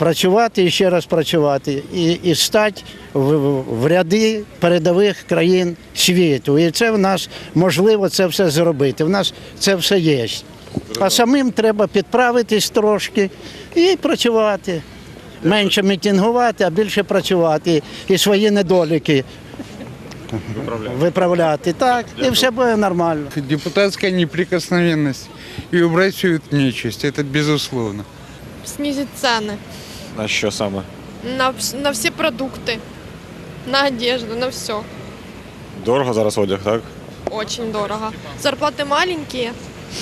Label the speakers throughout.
Speaker 1: працювати і ще раз працювати, і стати в ряди передових країн світу. І це в нас можливо це все зробити. В нас це все є. А самим треба підправитись трошки і працювати. Менше мітингувати, а більше працювати. І свої недоліки виправляти. Так, і все буде нормально.
Speaker 2: Депутатская неприкосновенность и убрать всю эту нечисть, это безусловно.
Speaker 3: Снизить цены
Speaker 4: На що саме?
Speaker 3: на все продукты, на одежду, на все.
Speaker 4: Дорого зараз одяг, так?
Speaker 3: Очень дорого. Зарплаты маленькие,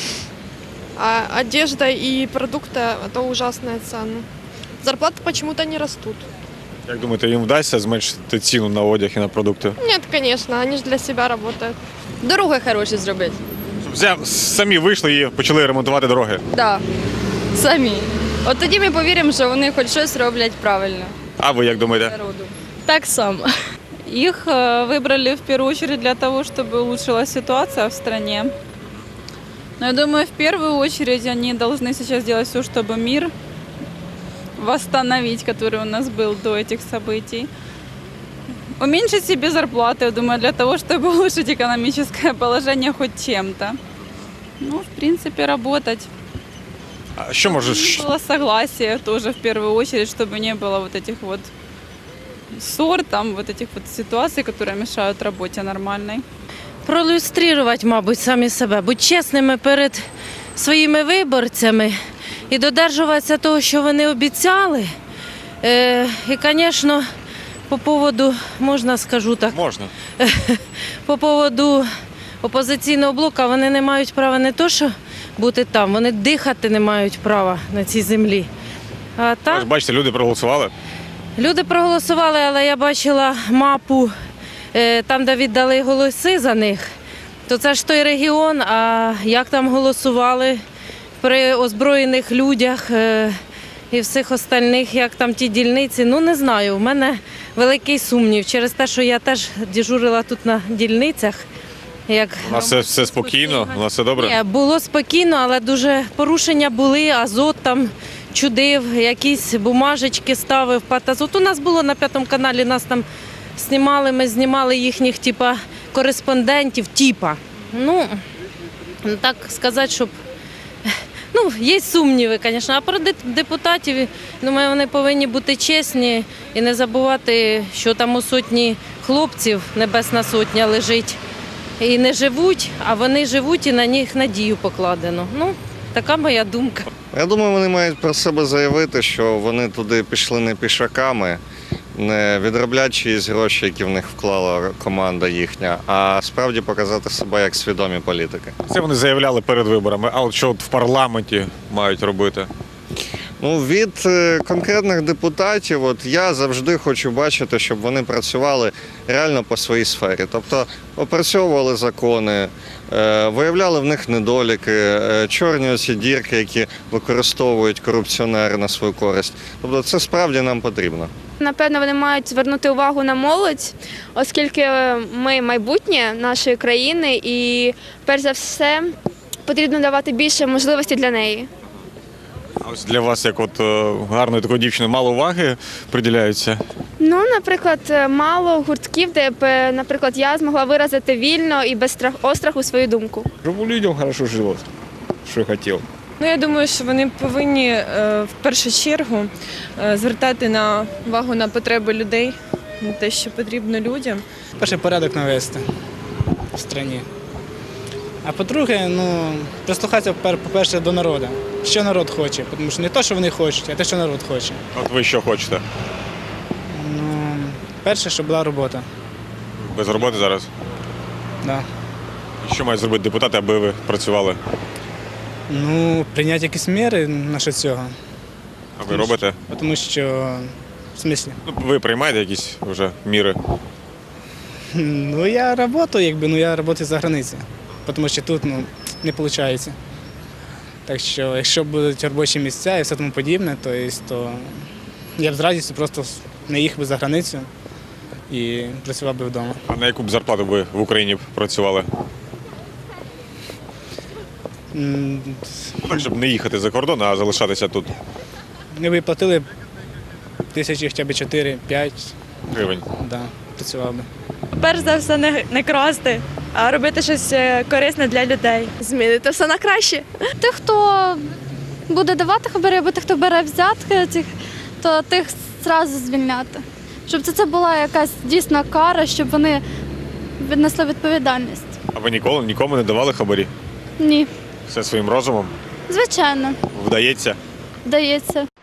Speaker 3: а одежда и продукты – это ужасные цены. Зарплаты почему-то не растут.
Speaker 4: Як думаєте, їм вдасться зменшити ціну на одяг і на продукти?
Speaker 3: Нет, конечно, они же для себя работают.
Speaker 5: Дороги хороші зробити.
Speaker 4: Щоб самі вийшли і почали ремонтувати дороги.
Speaker 5: Так, самі. От тоді ми повіримо, що вони хоч щось роблять правильно
Speaker 4: А ви як думаєте?
Speaker 5: народу.
Speaker 6: Так само. Их выбрали в первую очередь для того, чтобы улучшилась ситуация в стране. Но я думаю, в первую очередь они должны сейчас делать все, чтобы мир восстановить, который у нас был до этих событий. Уменьшить себе зарплаты, я думаю, для того, чтобы улучшить экономическое положение хоть чем-то. Ну, в принципе, работать.
Speaker 4: А що може?
Speaker 6: Было согласие тоже в первую очередь, чтобы не было вот этих вот ссор, там вот этих вот ситуаций, которые мешают работе нормальной.
Speaker 7: Проілюструвати, мабуть, самі себе, бути чесними перед своїми виборцями і додержуватися того, що вони обіцяли. І, звісно, по поводу, можна скажу так,
Speaker 4: Можна.
Speaker 7: по поводу опозиційного блоку, вони не мають права не то, що бути там, вони дихати не мають права на цій землі. А
Speaker 4: Ви
Speaker 7: так,
Speaker 4: ж бачите, люди проголосували.
Speaker 7: люди проголосували, але я бачила мапу, там, де віддали голоси за них, то це ж той регіон, а як там голосували при озброєних людях і всіх остальних, як там ті дільниці, ну не знаю, у мене великий сумнів через те, що я теж дежурила тут на дільницях. Як
Speaker 4: У нас все спокійно, у нас все добре.
Speaker 7: Ні, було спокійно, але дуже порушення були, азот там чудив, якісь бумажечки ставив, патазот. У нас було на 5 каналі, нас там знімали, ми знімали їхніх типа кореспондентів, Ну, так сказати, щоб... Ну, є сумніви, звісно, а про депутатів, думаю, вони повинні бути чесні і не забувати, що там у сотні хлопців Небесна Сотня лежить і не живуть, а вони живуть і на них надію покладено. Ну, така моя думка.
Speaker 8: Я думаю, вони мають про себе заявити, що вони туди пішли не пішаками, не відроблять чиїсь гроші, які в них вклала команда їхня, а справді показати себе як свідомі політики.
Speaker 4: Це вони заявляли перед виборами, а от що от в парламенті мають робити?
Speaker 8: Ну, від конкретних депутатів, от я завжди хочу бачити, щоб вони працювали реально по своїй сфері. Тобто опрацьовували закони, виявляли в них недоліки, чорні оці дірки, які використовують корупціонери на свою користь. Тобто це справді нам потрібно.
Speaker 9: Напевно, вони мають звернути увагу на молодь, оскільки ми майбутнє нашої країни і, перш за все, потрібно давати більше можливостей для неї.
Speaker 4: А ось для вас, як от гарної такої дівчини, мало уваги приділяються?
Speaker 9: Ну, наприклад, мало гуртків, де б, наприклад, я змогла виразити вільно і без остраху свою думку.
Speaker 2: Чтобы людям хорошо жилось, что я хотел.
Speaker 10: Ну, я думаю, що вони повинні в першу чергу звертати увагу на потреби людей, на те, що потрібно людям.
Speaker 11: Перше, порядок навести в країні. А по-друге, ну, прислухатися, по-перше, до народу. Що народ хоче, тому що не те, що вони хочуть, а те, що народ хоче.
Speaker 4: От ви що хочете?
Speaker 11: Ну, перше, щоб була робота.
Speaker 4: Без роботи зараз?
Speaker 11: Да.
Speaker 4: І що мають зробити депутати, аби ви працювали?
Speaker 11: Ну, прийняти якісь міри насчет цього.
Speaker 4: А ви робите?
Speaker 11: Тому що, в смислі?
Speaker 4: Ну, ви приймаєте якісь вже міри?
Speaker 11: Ну, я працюю, я працюю за границею, тому що тут, ну, не виходить. Так що, якщо будуть робочі місця і все тому подібне, то я б з радістю просто не їхав би за границю і працював би вдома.
Speaker 4: А на яку б зарплату ви в Україні працювали? Так, щоб не їхати за кордон, а залишатися тут.
Speaker 11: Ми б платили тисячі хоча б 4-5,
Speaker 4: Гривень.
Speaker 11: да, працював би.
Speaker 10: Перш за все, не красти, а робити щось корисне для людей.
Speaker 3: Змінити все на краще.
Speaker 5: Тих, хто буде давати хабарі, або тих, хто бере взятки, то тих одразу звільняти. Щоб це була якась дійсна кара, щоб вони віднесли відповідальність.
Speaker 4: А ви нікому не давали хабарі?
Speaker 5: Ні,
Speaker 4: Все своїм розумом?
Speaker 5: звичайно,
Speaker 4: Вдається?
Speaker 5: вдається.